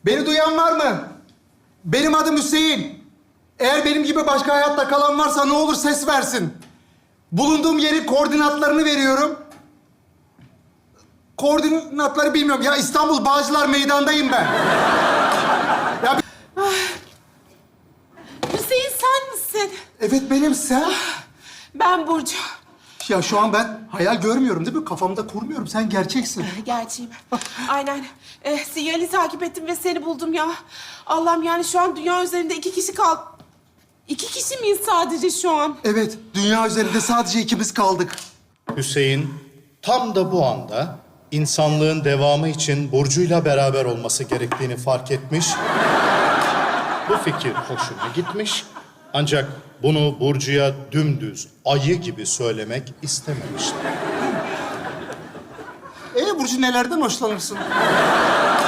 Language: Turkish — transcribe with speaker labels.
Speaker 1: Beni duyan var mı? Benim adım Hüseyin. Eğer benim gibi başka hayatta kalan varsa ne olur ses versin. Bulunduğum yerin koordinatlarını veriyorum. Koordinatları bilmiyorum. Ya İstanbul Bağcılar Meydan'dayım ben. Ya
Speaker 2: Hüseyin sen misin?
Speaker 1: evet benim sen.
Speaker 2: Ben Burcu.
Speaker 1: Ya şu an ben hayal görmüyorum değil mi? Kafamda kurmuyorum. Sen gerçeksin.
Speaker 2: Gerçeğim. Aynen. Sinyali takip ettim ve seni buldum ya. Allah'ım yani şu an dünya üzerinde 2 kişi kaldı. 2 kişi miyiz sadece şu an?
Speaker 1: Evet, dünya üzerinde sadece ikimiz kaldık.
Speaker 3: Hüseyin tam da bu anda insanlığın devamı için Burcu'yla beraber olması gerektiğini fark etmiş. Bu fikir hoşuna gitmiş. Ancak bunu Burcu'ya dümdüz ayı gibi söylemek istememişti.
Speaker 1: Burcu nelerden hoşlanırsın?